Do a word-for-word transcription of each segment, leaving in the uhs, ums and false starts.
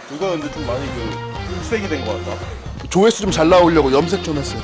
이거 근데 좀 많이 그 흑색이 된 것 같다. 조회수 좀 잘 나오려고 염색 좀 했어요.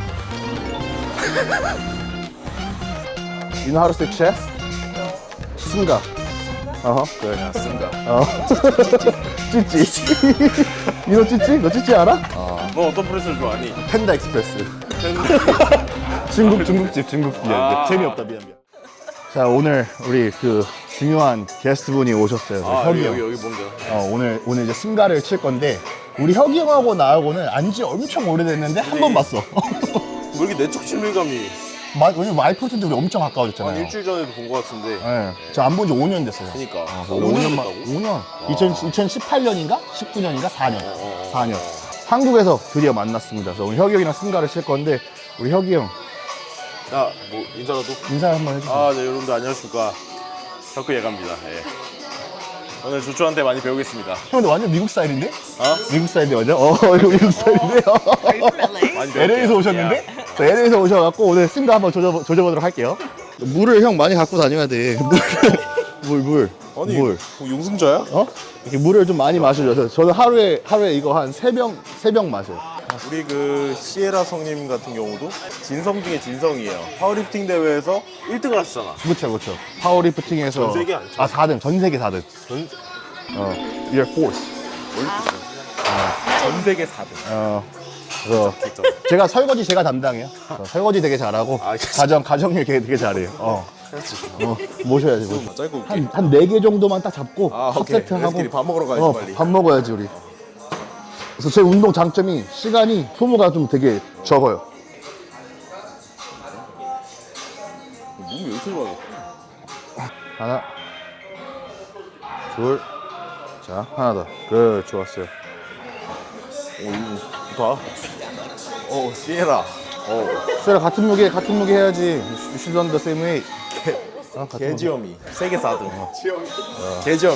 You know how to say chest? 승가. 어허, 그래. 야, 쓴다. 어. 찌찌. You know 찌찌? 너 찌찌 알아? 너 어떤 프레스를 좋아하니? 펜다 익스프레스. 팬- 중국 중국집 중국집. 미안, 미안. 아. 재미없다 미안 미안. 자 오늘 우리 그 중요한 게스트분이 오셨어요. 아, 혁이 여기 형. 여기 여기 뭔가. 어, 오늘 오늘 이제 승가를 칠 건데 우리 혁이 형하고 나하고는 안지 엄청 오래됐는데 한 번 봤어. 뭐 이렇게 내적 친밀감이 마, 왜냐면 마이프로틴 때 우리 엄청 한 가까워졌잖아요. 일주일 전에도 본 것 같은데. 네. 저 안 본 지 오 년 됐어요. 그니까. 어, 오 오 년 년만 됐다고? 오 년. 이천십팔 년인가? 십구 년인가? 사 년. 어, 어. 사 년. 한국에서 드디어 만났습니다. 그래서 오늘 혁이 형이랑 승가를 칠 건데 우리 혁이 형 야, 뭐 인사라도? 인사 한번 해주세요. 아, 네, 여러분들 안녕하십니까. 덕후 예가입니다. 예. 오늘 조초한테 많이 배우겠습니다. 형 근데 완전 미국 스타일인데? 어? 미국 스타일인데 완전? 어 이거 미국 스타일인데요? 많이 배울게요. 엘에이에서 오셨는데? 저 엘에이에서 오셔갖고 오늘 승가 한번 조져, 조져보도록 할게요. 물을 형 많이 갖고 다녀야 돼. 물, 물, 아니, 물. 뭐 용승자야? 어? 이렇게 물을 좀 많이 마셔줘서 저는 하루에 하루에 이거 한 세 병 세 병 마셔요. 우리 그 시에라 성님 같은 경우도 진성 중에 진성이에요. 파워리프팅 대회에서 일 등을 하셨잖아. 그렇죠, 그렇죠. 파워리프팅에서 전 세계 아니죠? 아 사 등, 전 세계 사 등. 전, 어, You're fourth. 전 세계 사 등. 어, 그래서 진짜. 제가 설거지 제가 담당해요. 저 설거지 되게 잘하고 아, 알겠어. 가정 가정일 되게, 되게 잘해요. 어, 그렇지. 어 모셔야지. 모셔. 좀 짧고 올게. 한한 네 개 정도만 딱 잡고 아, 첫 오케이. 세트 하고 우리끼리 밥 먹으러 가야지, 어, 빨리. 밥 먹어야지 우리. 그래서 제 운동 장점이 시간이 소모가 좀 되게 적어요. 몸이 왜 이렇게 좋아요? 하나, 둘, 자 하나 더. 그 좋았어요. 오, 이거 봐. 오, 시에라. 오, 수라 같은 무게 같은 무게 해야지. You should run the same way. 어, 같은 무게. 개지엄이. 세계 사 등. 개지엄이.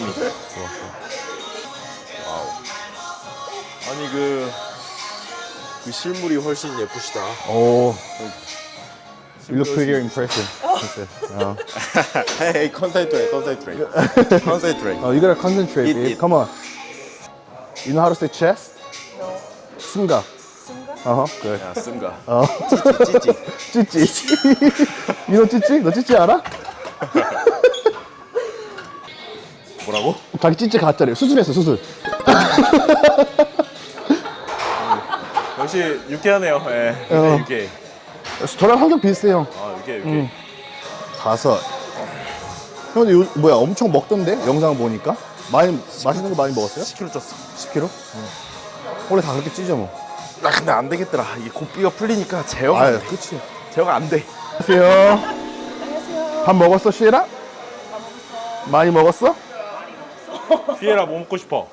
와우. 아니, 그, 그 실물이 훨씬 예쁘시다. 오. You look pretty impressive. 진짜. 어. Hey, hey, concentrate, concentrate. concentrate. Oh, you gotta concentrate, Eat, babe. eat. Come on. You know how to say chest? No. 승가. Sunga? 어허. 그래. 야, 쓴가. 어. 찌찌. 찌찌. You know 찌찌? 너 찌찌 알아? 뭐라고? 자기 찌찌 가짜래요. 수술했어, 수술. 역시 유쾌하네요. 예. 어. 유쾌. 저랑 환경 비슷해, 형. 아, 유쾌, 유쾌. 음. 다섯. 형, 근데 요, 뭐야, 엄청 먹던데? 영상 보니까? 많이, 맛있는 거 많이 먹었어요? 십 킬로그램 쪘어. 십 킬로그램? 원래 다 그렇게 찌죠, 뭐. 나 근데 안 되겠더라. 이게 고삐가 풀리니까 제어가 아유, 안 돼. 그치. 제어가 안 돼. 안녕하세요. 안녕하세요. 밥 먹었어, 시에라? 밥 먹었어. 많이 먹었어? 피에라 뭐 먹고 싶어?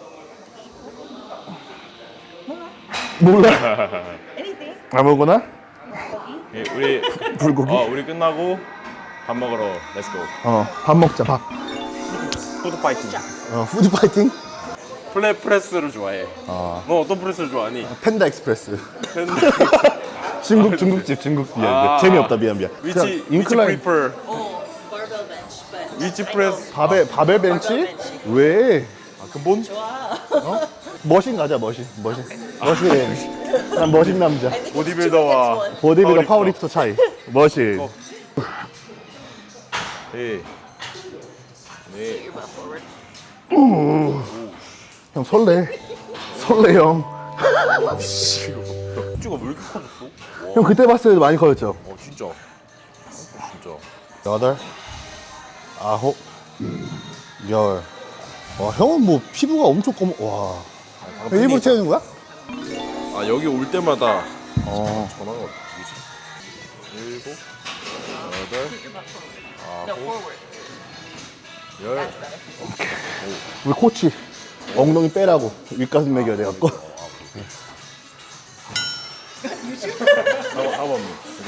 몰라. Anything? 아무거나? 예, 우리 불고기? 어, 우리 끝나고 밥 먹으러 렛츠고. 어, 밥 먹자, 밥. 푸드 파이팅. 어, 푸드 파이팅? 플랫 프레스를 좋아해. 어. 너 어떤 프레스를 좋아하니? 펜다 익스프레스. 팬- 중국, 중국집, 중국. 미안, 미안. 아. 재미없다, 미안, 미안. 위치 그냥 위치 인클라인. 프리퍼. Oh, barbell bench, but 위치 I 프레스. know 바벨, 바벨 벤치? barbell bench. 왜? 아, 근본? 좋아. 머신 가자, 머신. 머신. 머신. 난 머신 남자. I think it's 보디빌더와- two against one. 보디빌더 파워리프터. 파워리프터 차이. 머신. 어. 네. 네. Get your butt forward. 형 설레. 설레, 형. 쭈가 왜 이렇게 커졌어? 와, 형 그때 봤을 때도 많이 커졌죠? 어 진짜. 어, 진짜. 여덟, 아홉, 열. 와, 형은 뭐 피부가 엄청 검. 와. 형 일부러 태우는 거야? 아 여기 올 때마다 어. 전화가 어떻게 일곱, 여덟, Get your butt forward. No, forward. 열. That's better. 우리 코치 엉덩이 빼라고 윗가슴 매겨야 돼갖고. 한 번.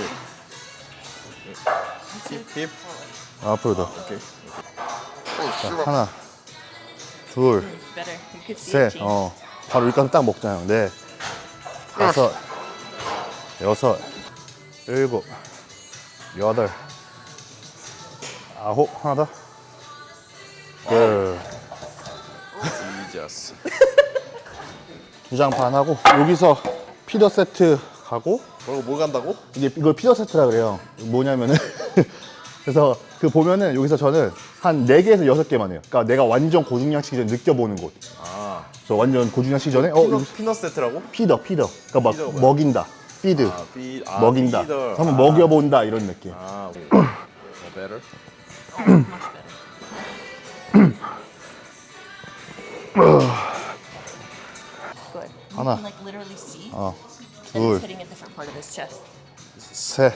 힙, 힙. 앞으로 더. 오케이. 자, 하나, 둘, Better. You could see 셋. it change. 어. 바로 윗가슴 딱 먹잖아요. 넷, 다섯, 여섯, 일곱, 여덟, 아홉. 하나 더. 열. 지저스. 두 장 반 하고 여기서 피더 세트 가고 그리고 뭐 간다고? 이게 이걸 피더 세트라 그래요. 뭐냐면은 그래서 그 보면은 여기서 저는 한 네 개에서 여섯 개만 해요. 그러니까 내가 완전 고중량 치기 전에 느껴보는 곳. 아, 그래서 완전 고중량 치기 전에 어 피넛, 여기 피넛 세트라고? 피더 피더. 그러니까 막 피더가 뭐야? 먹인다. 피드. 아, 피, 아, 먹인다. 피더. 한번 아. 먹여본다 이런 느낌. 아, 오케이. 어, better? Oh, much better. Good. You 하나. can like literally see 어, that it's 둘, hitting a different part of his chest. 셋.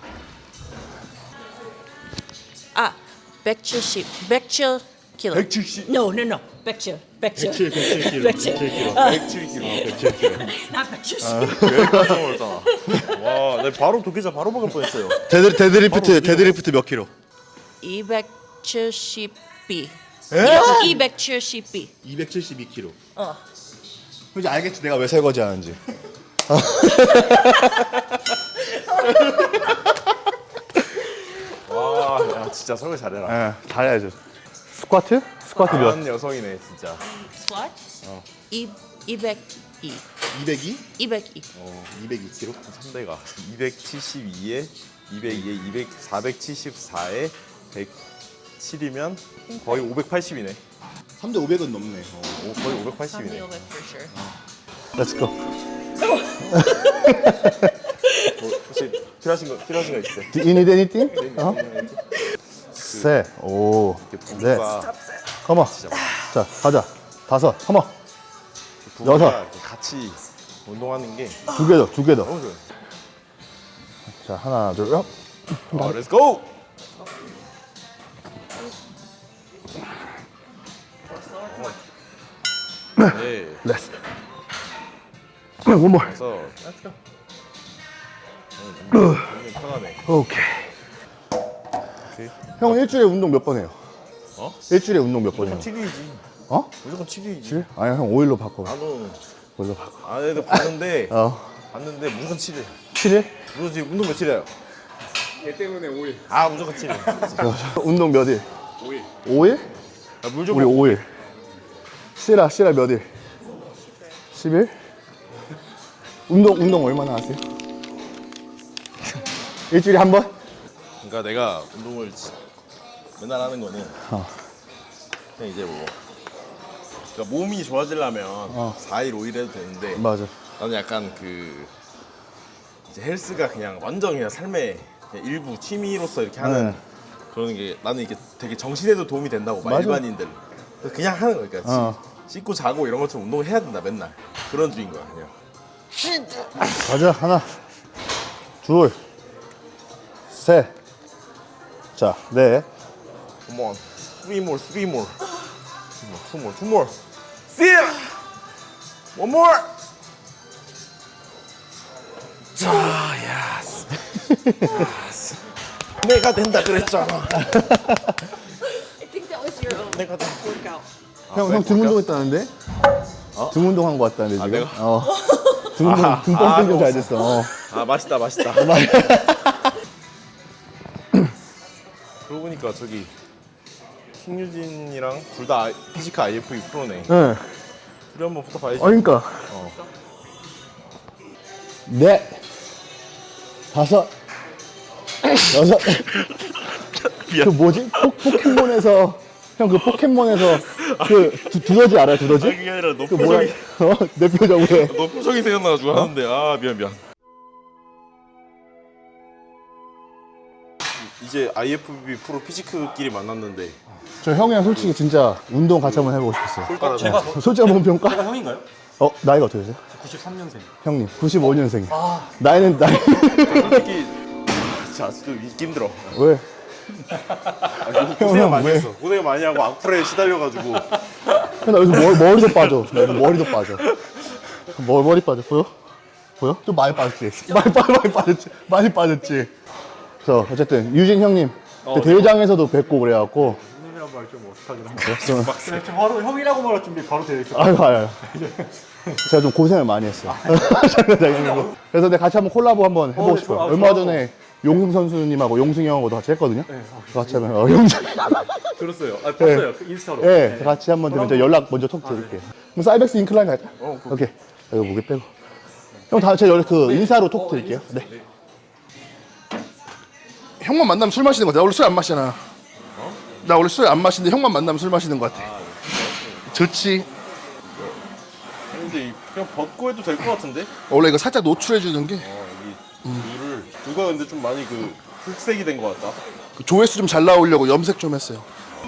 Ah, 백칠십, 백칠 킬로. 백칠십. No, no, no. 백칠, 백칠. 백칠 킬로. 백칠. 백칠 킬로. 백칠 킬로. 나 백칠십. 깜짝 놀랐잖아. 와, 나 바로 도끼자 바로 먹을 뻔했어요. 데드 데드리프트 데드리프트 몇 킬로? 이백칠십 비. 에? 이백칠십 비. 이백칠십이 킬로. 어. 이제 알겠지 내가 왜 설거지 하는지. 와, 야, 진짜 설거지 잘해라. 예, 잘해야죠. 스쿼트? 스쿼트 몇? 강한 여성이네, 진짜. Squat? 이 이백이. 이백이? 이백이. 어, 이백이 킬로? 삼 대가 이백칠십이에 이백이에 이백, 사백칠십사에 백칠이면 거의 오백팔십이네. 삼 대 오백은 넘네. 오, 거의 오백팔십이네. 삼 대 오백 for sure. Let's go. 뭐, 혹시 필요하신 거 필요하신 거 있어요? Do you need anything? 어? 셋, 오, 넷, 부부가 컴온. 자, 가자. 다섯, 컴온. 부부가 여섯. 같이 운동하는 게 두 개 더, 두 개 더. 너무 좋아요. 자, 하나, 둘, 업. 어, 렛츠 고! 네, 렛츠. 원 more. 그래서 렛츠 고. 어, 편하네. 오케이. 오케이. 형 일주일에 운동 몇 번 해요? 어? 일주일에 운동 몇 번 해요? 무조건 칠 일이지. 어? 무조건 칠 일이지. 칠? 아니, 형 오 일로 바꿔. 나도 오 일로 바꿔. 아내도 봤는데 어. 봤는데 무조건 칠 일. 칠 일? 너 지금 운동 며칠이에요? 얘 때문에 오 일. 아 무조건 칠 일. 운동 몇 일? 오 일. 오 일? 아, 물 우리 좀. 오 일. 시라, 시라 몇 일? 십 일? 운동, 운동 얼마나 하세요? 일주일에 한 번? 그러니까 내가 운동을 지- 맨날 하는 거는 어. 그냥 이제 뭐 그러니까 몸이 좋아지려면 어. 사 일, 오 일 해도 되는데 맞아. 나는 약간 그 이제 헬스가 그냥 완전 그냥 삶의 그냥 일부 취미로서 이렇게 하는 네. 그러는 게 나는 이게 되게 정신에도 도움이 된다고 막 맞아. 일반인들 그냥 하는 거니까 그러니까 어. 씻고 자고 이런 것처럼 운동을 해야 된다 맨날 그런 주인 거야 그냥. 가자. 하나, 둘, 셋. 자, 넷. Come on, three more, three more, two more, two more, see, one more. 자, yes. yes. 내가 된다 그랬잖아. I think that was your own 내가 된다. workout. 형, 형 등 운동 했다는데? 등 운동 한 거 같다는데, 아, 지금? 내가? 어. 등 운동, 아, 등 아, 뻥뻥 잘 너무- 됐어. 어. 아 맛있다, 맛있다. 그러고 보니까 저기 킹유진이랑 둘 다 피지컬 아이에프이 프로네. 네. 둘이 한번 붙어봐야지. 어, 그러니까. 어. 넷, 다섯, 여섯. 그 뭐지? 포, 포켓몬에서 형 그 포켓몬에서 그 두, 두더지 알아요? 두더지? 아니, 그게 아니라 너 그 뭐야? 표정이 어? 내 표정 왜? 너 표정이 생각나가지고 하는데 아 미안 미안. 이제 아이에프비 프로 피지크끼리 만났는데 저 형이랑 솔직히 진짜 운동 같이 한번 해보고 싶었어요. 꿀가루 제가 솔직히 한번 평가? 제가 형인가요? 어 나이가 어떻게 되세요? 구십삼 년생. 형님 구십오 년생. 나이는 나이 솔직히 진짜 아직도 잊기 힘들어. 왜? 아, 고생 많이 왜? 했어. 고생 많이 하고 악플에 시달려가지고 형, 나 요즘 머리, 머리도 빠져. 나 요즘 머리도 빠져. 머, 머리 빠져 보여? 보여? 좀 많이 빠졌지. 많이 빠 많이 빠졌지. 많이 빠졌지. 그래서 어쨌든 유진 형님 그 대회장에서도 뵙고 그래갖고. 형님이란 말 좀 어색하긴 한데. 좀, 그래, 좀 바로 형이라고 말할 준비 바로 되어 있어. 아유 아유. 제가 좀 고생을 많이 했어요. 장난장난이고. 그래서 내가 같이 한번 콜라보 한번 해보고 어, 싶어요. 좋아, 얼마 좋아. 전에 용승 선수님하고 용승이 형하고도 같이 했거든요. 네, 같이 하면 어, 용승. 들었어요. 아, 봤어요. 그 인스타로. 네, 같이 한번 되면 저 연락 먼저 톡 드릴게요. 그럼 사이벡스 인클라인 갈까? 어, 그- 오케이. 이거 무게 빼고. 형, 다, 제가 여기 그 인사로 톡 드릴게요. 네. 형만 만나면 술 마시는 거 같아. 나 원래 술 안 마시잖아. 어? 나 원래 술 안 마시는데 형만 만나면 술 마시는 거 같아. 좋지. 근데 이- 그냥 벗고 해도 될 것 같은데? 원래 이거 살짝 노출해 주는 게 어 여기 물을 누가 근데 좀 많이 그 흑색이 된 것 같다. 그 조회수 좀 잘 나오려고 염색 좀 했어요.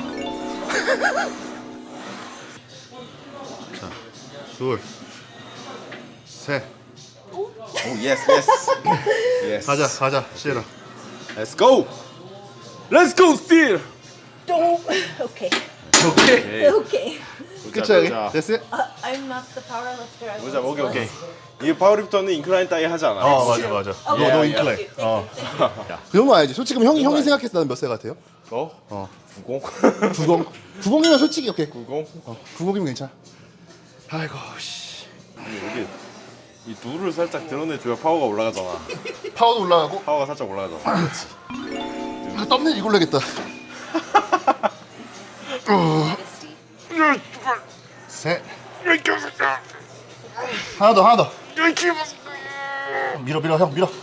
자, 둘, 셋. 오 예스 예스 예스. 가자, 가자, 시에라. Let's go. Let's go still. Don't. Okay. 오케이. Okay. 그쵸, 여기? 보자 됐어? Uh, I'm not the powerlifter. I 보자. was 오케이 오케이. once. 이게 파워리프터는 인클라인 따위 하지 않아. 어, 맞아, 맞아. Oh, 너, 너 thank 인클레. you, thank 어. you, thank you. 그 정도 알지? 솔직히 형이, 형이 알지. 생각했을 때는 몇 세 같아요? 너? 어. 구공. 구공. 구공이면 솔직히 오케이. 구공. 어, 구공이면 괜찮아. 아이고, 씨. 여기 이 누를 살짝 드러내줘야 파워가 올라가잖아. 파워도 올라가고. 파워가 살짝 올라가잖아. 그렇지. 아, 썸네일 이걸로 해야겠다. 셋. 하나 더, 하나 더. 밀어, 밀어, 형, 밀어.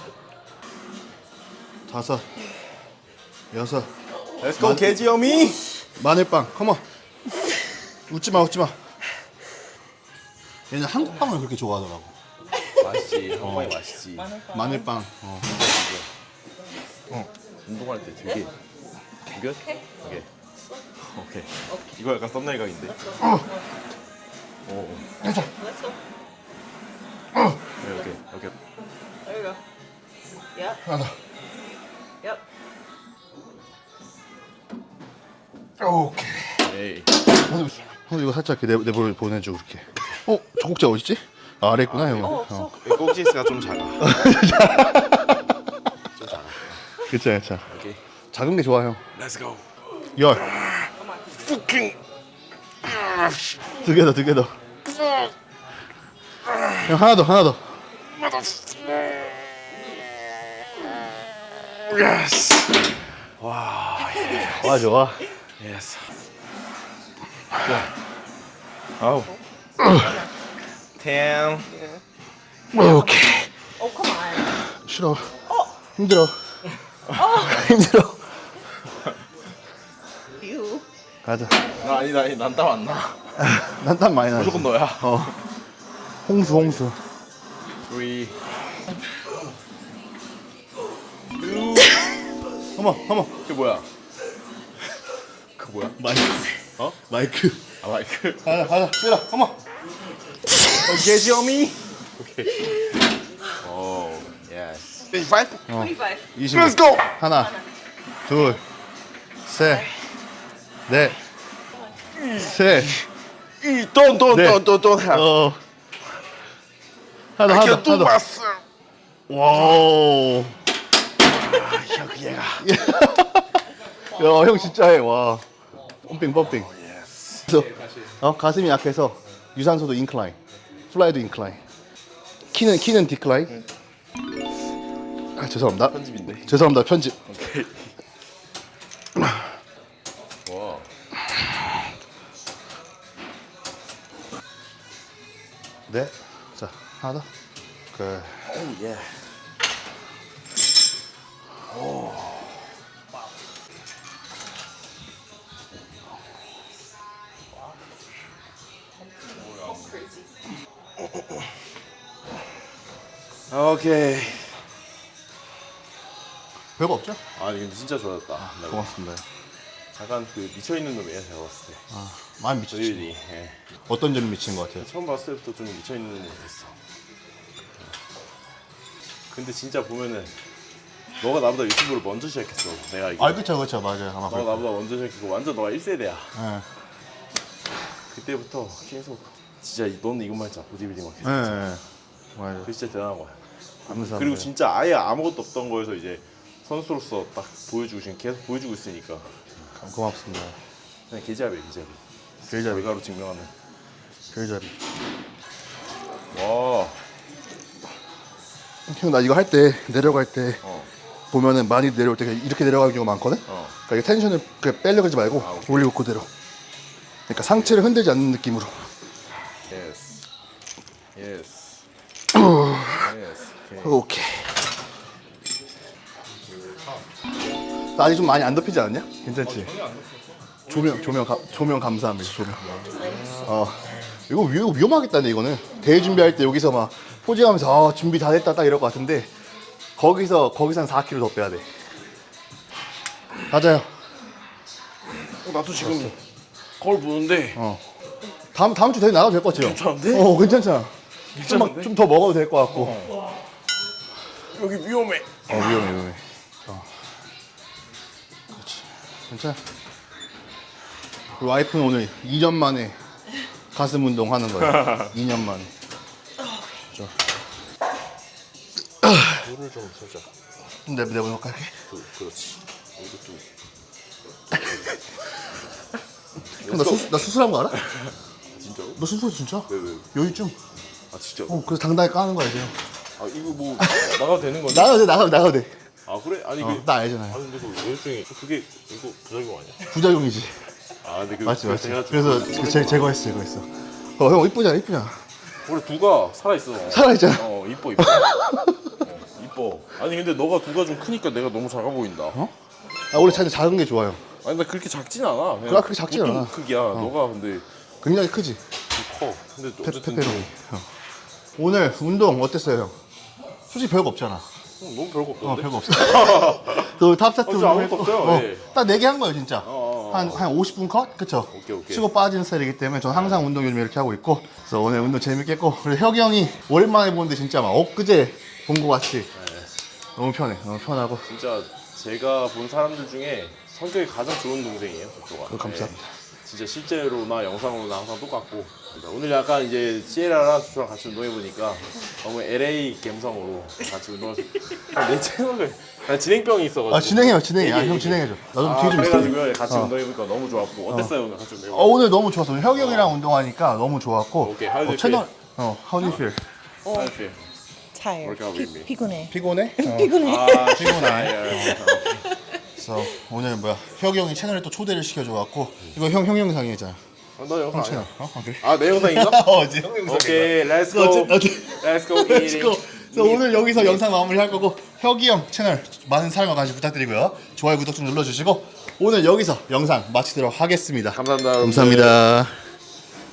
다섯. 여섯. Let's go 개지엄이. 마늘빵, 컴온. 웃지 마, 웃지 마. 얘는 한국 빵을 그렇게 좋아하더라고. 맛있지. 한방이 맛있지. 마늘빵. 어. 운동할 때 되게 good? 오케이. 오케이. 이거 약간 썸네일 각인데. 오. Let's go. 오케이 오케이 오케이. There you go. Yep. 하나 Yep. 더. 오케이. 에이. 형 이거 살짝 내 내볼 보내줘 그렇게. 어, 젖꼭지 어딨지? 아, 아래 있구나 형. Oh, 어. so 꼭지스가 좀 작아. 그쵸, 그쵸. 오케이. 작은 게 좋아 형. Let's go. 열. 두 개 더, 두 개 더. 형 하나 더, 하나 더. 예스. 와, 좋아. 예스. 아우. 텐. 오케이. Oh, come on. 싫어. 힘들어. 힘들어. You. 가자. 나 아니 나 난땀 안 나. 난 땀 많이 나. 무조건 너야. 어. 홍수, 홍수. three. 어머, 어머. 그 뭐야? 그 뭐야? 마이크. 어? 마이크. 아 마이크. 가자, 가자. 뛰라. 어머. 개지엄이. 오케이. 오. 예스. twenty-five. twenty-five. 이십. Let's go. 하나, 둘, 셋, 넷, 셋. 이 don't don't 네. don't don't don't have. 어. 하나, I 하나, can do 하나. myself. 와우. 야, 얘가. 야, 형 진짜 해. 와. 펌핑, 펌핑. 그래서 어, 가슴이 약해서 유산소도 인클라인, 플라이도 인클라인. 키는 키는 디클라인. 아, 죄송합니다. 편집인데. 죄송합니다. 편집. 오케이. 와. 네. 자, 하나 더. 그. 오 예. 오케이. 별거 없죠? 아 근데 진짜 좋아졌다. 나 고맙습니다. 약간 그 미쳐 있는 놈이에요 제가 봤을 때. 아, 많이 미쳤지. 조율이. 예. 어떤 점이 미친 것 같아요? 처음 봤을 때부터 좀 미쳐 있는 놈이 있어. 근데 진짜 보면은 너가 나보다 유튜브를 먼저 시작했어. 내가 알기로. 아, 그쵸, 그쵸, 맞아요. 아마 너가 그럴 나보다 먼저 시작했고 완전 너가 일 세대야. 거예요. 그때부터 계속 진짜 너는 이것만 했잖아. 보디빌딩만 계속. 예, 예, 예. 맞아요. 그게 진짜 대단한 거야. 감사합니다. 그리고 진짜 아예 아무것도 없던 거에서 이제 선수로서 딱 보여주고 지금 계속 보여주고 있으니까 고맙습니다. 그냥 계좌비 계좌비 계좌비. 결과로 증명하는. 별자리. 와. 형, 나 이거 할 때 내려갈 때 어. 보면은 많이 내려올 때 이렇게 내려가는 경우가 많거든. 어. 그러니까 이 텐션을 그냥 빼려고 하지 말고 아, 오케이. 올리고 그대로. 그러니까 상체를 흔들지 않는 느낌으로. 예스. 예스. 오케이. 나 아직 좀 많이 안 덮이지 않았냐? 괜찮지? 조명, 조명, 가, 조명 감사합니다. 조명. 어, 이거, 위, 이거 위험하겠다네 이거는. 대회 준비할 때 여기서 막 포징하면서 아, 준비 다 됐다 딱 이럴 것 같은데 거기서 거기서 한 사 킬로그램 더 빼야 돼. 맞아요. 어, 나도 지금 거울 보는데 어. 다음 다음 주 대회 나가도 될 것 같아요. 괜찮은데? 어, 괜찮잖아. 괜찮은데? 좀 더 먹어도 될 것 같고. 어. 여기 위험해. 어, 위험해, 위험해. 어. 그렇지. 괜찮아. 우리 와이프는 오늘 이 년 만에 가슴 운동 하는 거야. 이 년 만에. 자. 물을 좀 살짝. 좀 내, 내보내볼까, 이렇게? 그, 그렇지. 이것도. 형, 나, 수술, 나 수술한 거 알아? 진짜로? 너 수술 진짜? 왜, 왜? 여유증. 아, 진짜? 어, 그래서 당당히 까는 거야, 이제. 아, 이거 뭐, 나가도 되는 건데? 나가도 돼, 나가도, 나가도 돼. 아, 그래? 아니, 어, 그. 나 알잖아요. 아, 근데 그 외유증이, 그게, 이거 부작용 아니야? 부작용이지. 아, 근데 그. 맞지, 맞지. 제가 좀- 그래서 제, 제거했어, 제거했어. 어, 형, 이쁘잖아, 이쁘잖아. 원래 두가 살아있어. 살아있잖아. 어, 이뻐, 이뻐. 어, 이뻐. 아니, 근데 너가 두가 좀 크니까 내가 너무 작아 보인다. 어? 아, 원래 자기 작은 게 좋아요. 아니, 나 그렇게 작진 않아. 그냥 그래, 그렇게 작진 보통 않아. 크기야. 너가 근데 굉장히 크지? 커. 근데 페, 어쨌든 페페로니. 어. 오늘 운동 어땠어요, 형? 솔직히 별거 없잖아. 좀, 너무 별거 어, 없던데? 별거 없어. 그 탑세트 어, 진짜 아무것도 없어요. 어, 예. 딱 네 개 한 거예요, 진짜. 어, 어, 한, 한 오십 분 컷? 그쵸? 오케이, 오케이. 치고 빠지는 스타일이기 때문에 저는 항상 운동 요즘 이렇게 하고 있고. 그래서 오늘 운동 재밌게 했고. 그리고 혁이 형이 오랜만에 보는데 진짜 막 엊그제 본 거 같이. 너무 편해. 너무 편하고. 진짜 제가 본 사람들 중에 성격이 가장 좋은 동생이에요, 저쪽가. 어, 감사합니다. 진짜 실제로나 영상으로나 항상 똑같고. 오늘 약간 이제 시에라랑 저랑 같이 운동해보니까 너무 엘에이 감성으로 같이 운동해서 내 채널을 나 진행병이 있어가지고. 아, 진행해요, 진행해. 아, 얘기해, 형 얘기해. 진행해줘. 나 좀 아, 뒤에 좀 있어. 그래가지고요 같이 어. 운동해보니까 너무 좋았고 어땠어요 오늘 같이 운동해보니까? 어, 오늘 너무 좋았어. 혁이 형이랑 운동하니까 너무 좋았고. 오케이, how do you 어, 채널, 어, how do you feel? How do you feel? Tired. Working out with me. 피, 피곤해. 피곤해? 어. 피곤해. 아 피곤해. 그래서 오늘 뭐야 혁이 형이 채널에 또 초대를 시켜줘갖고 이거 형 형 영상이잖아. 나 영상 채널. 아니야. 어? 아, 그래? 아 내 영상인가? 어, 이제 형 영상. 오케이, let's go. 어째- 어째- Let's go Let's eating. go. 그래서 오늘 여기서 영상 마무리할 거고 혁이 형 채널 많은 사랑과 관심 부탁드리고요. 좋아요 구독 좀 눌러주시고 오늘 여기서 영상 마치도록 하겠습니다. 감사합니다. 감사합니다.